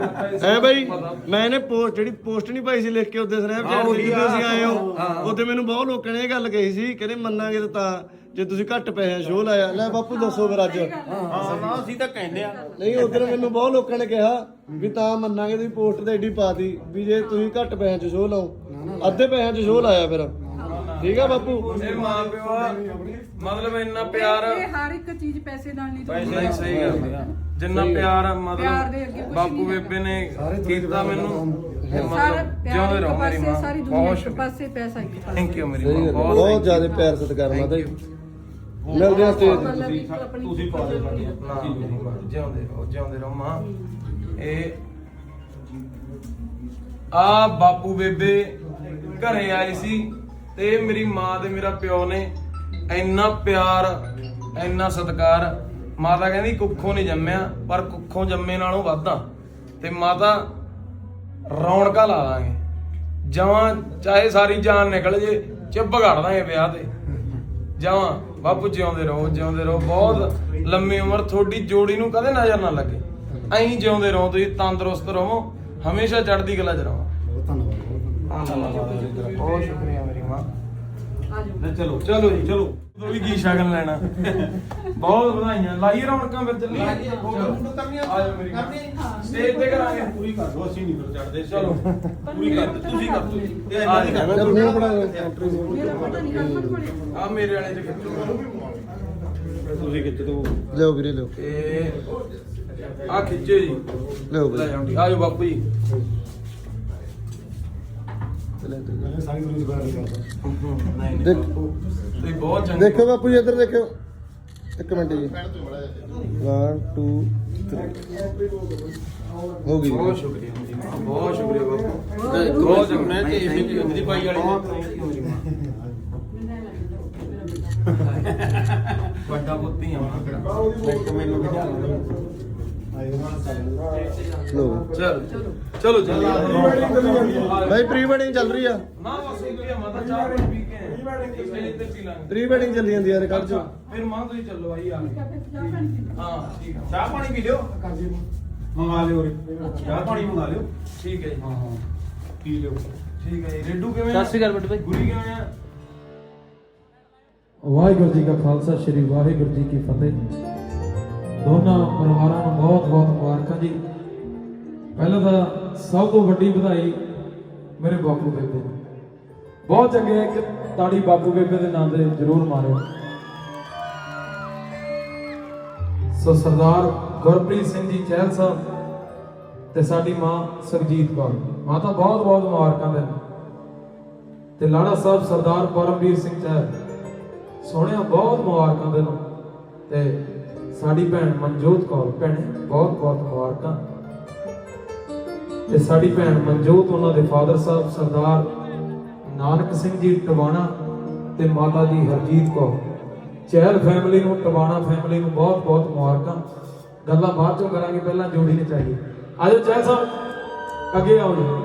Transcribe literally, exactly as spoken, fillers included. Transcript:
ਐ ਬਾਈ ਮੈਂ ਇਹਨੇ ਪੋਸਟ ਜਿਹੜੀ ਪੋਸਟ ਨਹੀਂ ਪਾਈ ਸੀ ਲਿਖ ਕੇ ਉਹਦੇ ਸਨੈਪਚੈਟ ਤੇ ਜਦੋਂ ਤੁਸੀਂ ਆਏ ਹੋ ਉਹਦੇ ਮੈਨੂੰ ਬਹੁਤ ਲੋਕਾਂ ਨੇ ਇਹ ਗੱਲ ਕਹੀ ਸੀ ਕਹਿੰਦੇ ਮੰਨਾਂਗੇ ਤਾਂ ਜੇ ਤੁਸੀਂ ਘੱਟ ਪੈਸੇ ਸ਼ੋਅ ਲਾਇਆ ਲੈ ਬਾਪੂ ਦੱਸੋ ਫਿਰ ਅੱਜ ਹਾਂ ਨਾ ਅਸੀਂ ਤਾਂ ਕਹਿੰਦੇ ਆ ਨਹੀਂ ਉਧਰ ਮੈਨੂੰ ਬਹੁਤ ਲੋਕਾਂ ਨੇ ਕਿਹਾ ਵੀ ਤਾਂ ਮੰਨਾਂਗੇ ਤੁਸੀਂ ਪੋਸਟ ਤੇ ਐਡੀ ਪਾਤੀ ਵੀ ਜੇ ਤੁਸੀਂ ਘੱਟ ਪੈਸਿਆਂ 'ਚ ਸ਼ੋਅ ਲਾਓ ਅੱਧੇ ਪੈਸਿਆਂ 'ਚ ਸ਼ੋਅ ਲਾਇਆ ਫਿਰ ਠੀਕ ਆ ਬਾਪੂ ਇਹ ਮਾਂ ਪਿਓ ਆ ਮਤਲਬ ਇੰਨਾ ਪਿਆਰ ਹਰ ਇੱਕ ਚੀਜ਼ ਪੈਸੇ ਨਾਲ ਨਹੀਂ ਪੈਸੇ ਨਹੀਂ ਸਹੀ ਗੱਲ ਜਿੰਨਾ ਪਿਆਰ ਮਤਲਬ ਬਾਪੂ ਬੇਬੇ ਨੇ ਕੀਤਾ ਮੈਨੂੰ ਸਾਰਾ ਜਿਉਂਦੇ ਰਹੋ ਮੇਰੀ ਮਾਂ ਸਾਰੀ ਦੁਨੀਆ ਇੱਕ ਪਾਸੇ ਪੈਸਾ ਇੱਕ ਪਾਸੇ ਥੈਂਕ ਯੂ ਮੇਰੀ ਮਾਂ ਬਹੁਤ ਬਹੁਤ ਜ਼ਿਆਦਾ ਪਿਆਰ ਸਤਿਕਾਰ ਮਾਤਾ ਜੀ ਮਿਲਦੇ ਆ ਸਟੇਜ ਤੁਸੀਂ ਪਾ ਦੇ ਜਿਉਂਦੇ ਰਹੋ ਜਿਉਂਦੇ ਰਹੋ ਮਾਂ ਇਹ ਆ ਬਾਪੂ ਬੇਬੇ ਘਰੇ ਆਏ ਸੀ ਤੇ ਮੇਰੀ ਮਾਂ ਤੇ ਮੇਰਾ ਪਿਓ ਨੇ ਇੰਨਾ ਪਿਆਰ ਇੰਨਾ ਸਤਿਕਾਰ ਮਾਤਾ ਕਹਿੰਦੀ ਕੁੱਖੋਂ ਨਹੀਂ ਜੰਮਿਆ ਪਰ ਕੁੱਖੋਂ ਜੰਮੇ ਨਾਲੋਂ ਵੱਧਾ ਤੇ ਮਾਤਾ ਰੌਣਕਾਂ ਲਾ ਦਾਂਗੇ ਜਵਾਂ ਚਾਹੇ ਸਾਰੀ ਜਾਨ ਨਿਕਲ ਜੇ ਚਿੱਬ ਘੜ ਦਾਂਗੇ ਵਿਆਹ ਤੇ ਜਵਾਂ ਬਾਪੂ ਜਿਉਂਦੇ ਰਹੋ ਜਿਉਂਦੇ ਰਹੋ ਬਹੁਤ ਲੰਮੀ ਉਮਰ ਤੁਹਾਡੀ ਜੋੜੀ ਨੂੰ ਕਦੇ ਨਜ਼ਰ ਨਾ ਲੱਗੇ ਐਂ ਜਿਉਂਦੇ ਰਹੋ ਤੁਸੀਂ ਤੰਦਰੁਸਤ ਰਹੋ ਹਮੇਸ਼ਾ ਚੜ੍ਹਦੀ ਕਲਾ 'ਚ ਰਹੋ ਬਹੁਤ ਸ਼ੁਕਰੀਆ ਮੇਰੀ ਮਾਂ ਚਲੋ ਚਲੋ ਜੀ ਚਲੋ ਤੂੰ ਵੀ ਕੀ ਸ਼ਗਨ ਲੈਣਾ ਬਹੁਤ ਵਧਾਈਆਂ ਲਾਈ ਰੌਣਕਾਂ ਫਿਰ ਚੱਲੀ ਆਜੋ ਮੇਰੀ ਸਟੇਜ ਤੇ ਕਰਾਂਗੇ ਪੂਰੀ ਕਰ ਦੋ ਅਸੀਂ ਨਹੀਂ ਫਿਰ ਚੜਦੇ ਚਲੋ ਪੂਰੀ ਕਰ ਤੁਸੀਂ ਕਰ ਦੋ ਤੇ ਮੇਰਾ ਪਤਾ ਨਹੀਂ ਹਰਮਨ ਕੋਲੇ ਆ ਮੇਰੇ ਵਾਲੇ ਚ ਖਿੱਚੋ ਤੁਸੀਂ ਕਿੱਥੇ ਤੋਂ ਲਿਓ ਵੀਰੇ ਲਿਓ ਤੇ ਆ ਖਿੱਚੇ ਜੀ ਲਿਓ ਲੈ ਵੀਰੇ ਜਾਓ ਆਜੋ ਬਾਪੂ ਜੀ ਸਾਰੀ ਦੁਨੀਆ ਬਾਹਰ ਨਿਕਲਦਾ ਨਹੀਂ ਨਹੀਂ ਦੇਖ- ਬਾਪੂ ਤੁਸੀਂ ਬਹੁਤ ਚੰਗੇ ਦੇਖੋ ਬਾਪੂ ਜੀ ਇੱਧਰ ਦੇਖਿਓ ਇੱਕ ਮਿੰਟ ਜੀ ਇੱਕ ਦੋ ਤਿੰਨ ਹੋ ਗਈ ਬਹੁਤ ਸ਼ੁਕਰੀਆ ਮੇਰੀ ਮਾਂ ਬਹੁਤ ਸ਼ੁਕਰੀਆ ਬਾਪੂ ਬਹੁਤ ਜਮਨਾ ਤੇ ਇਹ ਵੀ ਅੰਦਰੀ ਪਾਈ ਵਾਲੀ ਮੇਰੀ ਮਾਂ ਵੱਡਾ ਪੁੱਤੀ ਆ ਮਾਂ ਇੱਕ ਮੈਨੂੰ ਬਿਠਾ ਲਓ ਲੋ ਚਲ ਚਲੋ ਚੱਲੀ ਭਾਈ ਪ੍ਰੀ ਵੈਡਿੰਗ ਚੱਲ ਰਹੀ ਆ ਨਾ ਬਸ ਇੱਕ ਹੀ ਮਾਤਾ ਚਾਹ ਪਾਣੀ ਪੀ ਕੇ ਪ੍ਰੀ ਵੈਡਿੰਗ ਸਟੇਜ ਤੇ ਪੀ ਲਾਂਗੇ ਪ੍ਰੀ ਵੈਡਿੰਗ ਚੱਲੀ ਜਾਂਦੀ ਯਾਰ ਕੱਲ ਚ ਫਿਰ ਮਾਂ ਤੁਸੀਂ ਚੱਲੋ ਆਈ ਆ ਹਾਂ ਠੀਕ ਆ ਚਾਹ ਪਾਣੀ ਪੀ ਲਿਓ ਮੰਗਾ ਲਿਓ ਰੇ ਚਾਹ ਪਾਣੀ ਮੰਗਾ ਲਿਓ ਠੀਕ ਹੈ ਜੀ ਹਾਂ ਹਾਂ ਪੀ ਲਿਓ ਠੀਕ ਹੈ ਜੀ ਰੇਡੂ ਕਿਵੇਂ ਸਤਿ ਸ਼੍ਰੀ ਅਕਾਲ ਬੱਟੂ ਭਾਈ ਗੁਰੀ ਕਿਵੇਂ ਆ ਵਾਹਿਗੁਰੂ ਜੀ ਕਾ ਖਾਲਸਾ ਸ੍ਰੀ ਵਾਹਿਗੁਰੂ ਜੀ ਕੀ ਫਤਿਹ ਦੋਨਾਂ ਪਰਿਵਾਰਾਂ ਨੂੰ ਬਹੁਤ ਬਹੁਤ ਮੁਬਾਰਕਾਂ ਜੀ ਪਹਿਲਾਂ ਤਾਂ ਸਭ ਤੋਂ ਵੱਡੀ ਵਧਾਈ ਮੇਰੇ ਬਾਪੂ ਬੇਬੇ ਨੂੰ। ਬਹੁਤ ਚੰਗੇ ਹੈ ਕਿ ਤਾੜੀ ਬਾਪੂ ਬੇਬੇ ਦੇ ਨਾਂ ਤੇ ਜ਼ਰੂਰ ਮਾਰਿਓ। ਸੋ ਸਰਦਾਰ ਗੁਰਪ੍ਰੀਤ ਸਿੰਘ ਜੀ ਚਹਿਲ ਸਾਹਿਬ ਤੇ ਸਾਡੀ ਮਾਂ ਸਰਜੀਤ ਕੌਰ ਮਾਤਾ ਬਹੁਤ ਬਹੁਤ ਮੁਬਾਰਕਾਂ ਦੇ ਤੇ ਲਾੜਾ ਸਾਹਿਬ ਸਰਦਾਰ ਪਰਮਵੀਰ ਸਿੰਘ ਚਹਿਲ ਸੋਹਣਿਆ ਬਹੁਤ ਮੁਬਾਰਕਾਂ ਦੇ ਨੂੰ ਤੇ ਸਾਡੀ ਭੈਣ ਮਨਜੋਤ ਕੌਰ ਭੈਣੇ ਬਹੁਤ ਬਹੁਤ ਮੁਬਾਰਕਾਂ ਤੇ ਸਾਡੀ ਭੈਣ ਮਨਜੋਤ ਉਹਨਾਂ ਦੇ ਫਾਦਰ ਸਾਹਿਬ ਸਰਦਾਰ ਨਾਨਕ ਸਿੰਘ ਜੀ ਟਵਾਣਾ ਤੇ ਮਾਤਾ ਜੀ ਹਰਜੀਤ ਕੌਰ ਚਹਿਲ ਫੈਮਿਲੀ ਨੂੰ ਟਵਾਣਾ ਫੈਮਿਲੀ ਨੂੰ ਬਹੁਤ ਬਹੁਤ ਮੁਬਾਰਕਾਂ ਗੱਲਾਂ ਬਾਅਦ ਚੋਂ ਕਰਾਂਗੇ ਪਹਿਲਾਂ ਜੋੜੀ ਨੇ ਚਾਹੀਏ ਆਜੋ ਚਹਿਲ ਸਾਹਿਬ ਅੱਗੇ ਆਓ ਜੀ